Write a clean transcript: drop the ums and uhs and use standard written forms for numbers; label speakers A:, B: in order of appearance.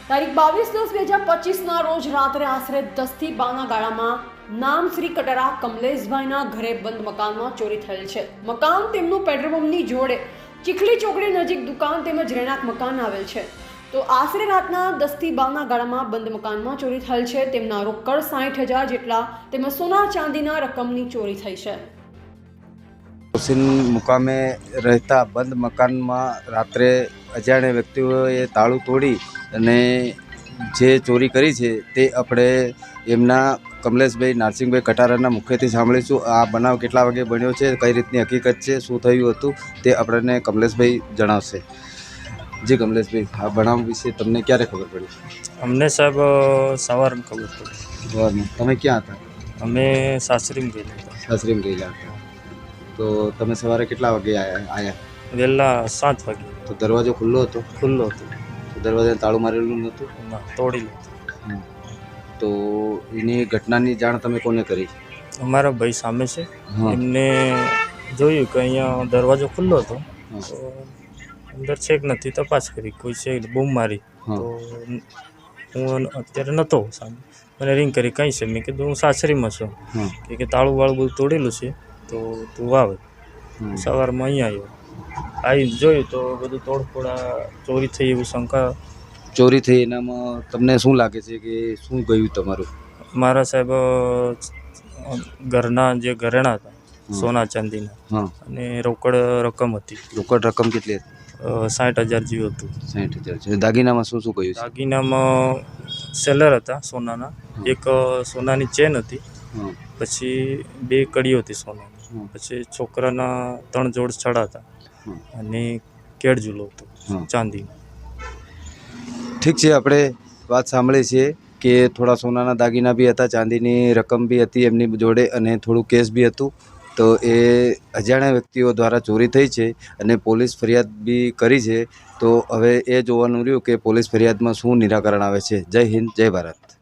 A: તારીખ 22/10/2025 રોજ રાત્રે આશરે 10 થી 12 ગાળામાં નામ શ્રી કટરા કમલેશભાઈના ઘરે બંધ મકાનમાં ચોરી થયેલ છે। મકાન તેમનું પેટ્રોલ પંપની જોડે ચીખલી ચોકડી નજીક દુકાન તેમજ રહેણાંક મકાન આવેલ છે। તો આશરે રાતના 10 થી 12 ગાળામાં બંધ મકાનમાં ચોરી થયેલ છે। તેમના રોકડ 60,000 જેટલા તેમજ સોના ચાંદીના રકમની ચોરી થઈ છે।
B: हुसैन मुकामे रहता बंद मकान में रात्रे अजाण्या व्यक्तिओए ताळुं तोड़ी अने जे चोरी करी छे ते अपने एमना कमलेशभाई नारसिंहभाई कटाराना मुखेथी सांभळीशुं। आ बनाव केटला वागे बन्यो छे, कई रीतनी हकीकत छे, शुं थयुं हतुं ते आपणे कमलेशभाई जणावशे। जी कमलेशभाई, आ बनाव विषे तमने क्यारे खबर पड़ी?
C: अमने साहब सवार में खबर पड़ी।
B: सवारमां तमे क्यां हता?
C: अमे सासरी में गયેલા હતા।
B: सासरीमां गયેલા હતા। तो तमे सवारे केटला वागे आया?
C: વહેલા 7 વાગે।
B: तो दरवाजो खुल्लो हतो?
C: ખુલ્લો હતો,
B: तो दरवाजाने ताळुं मारेલું નહોતું?
C: ના તોડી લીધું।
B: तो એની ઘટનાની જાણ તમે કોને કરી?
C: અમારા ભાઈ સામે છે,
B: હા।
C: એમને જોયું કે અહીંયા દરવાજો ખુલ્લો હતો,
B: હા।
C: તો અંદર છે કે નથી તપાસ કરી, કોઈ છે બૂમ મારી।
B: હા।
C: તો હું અત્યારે નહોતો સામે, મને રિંગ કરી કઈ છે, મેં કીધું હું સાસરીમાં છું।
B: હા।
C: કે તાળું વાળું બધું તોડેલું છે, તો તું આવે।
B: હા।
C: સવારમાં અહીંયા આવ્યો, આવી જોયું તો બધું તોડફોડા ચોરી થઈ એવું શંકા।
B: ચોરી થઈ એનામાં તમને શું લાગે છે કે શું ગયું તમારું?
C: મારા સાહેબ ઘરના જે ઘરેણાં હતા સોના ચાંદીના,
B: હા।
C: અને રોકડ રકમ હતી,
B: રોકડ રકમ કેટલી હતી?
C: 60,000 જેવું હતું।
B: 60,000 છે। દાગીનામાં શું શું ગયું છે?
C: દાગીનામાં સેલર હતા સોનાના, એક સોનાની ચેન હતી,
B: હા।
C: પછી 2 કડીઓ હતી સોનાની,
B: હા।
C: પછી છોકરાના 3 જોડ છડા હતા,
B: હા।
C: અને કેળ ઝૂલો હતો
B: હા।
C: ચાંદીનો।
B: ઠીક છે, આપણે વાત સાંભળી છે કે થોડા સોનાના દાગીના બી હતા, ચાંદીની રકમ બી હતી એમની જોડે, અને થોડું કેશ બી હતું। તો એ અજાણ્યા વ્યક્તિઓ દ્વારા ચોરી થઈ છે અને પોલીસ ફરિયાદ બી કરી છે। તો હવે એ જોવાનું રહ્યું કે પોલીસ ફરિયાદમાં શું નિરાકરણ આવે છે। જય હિન્દ, જય ભારત।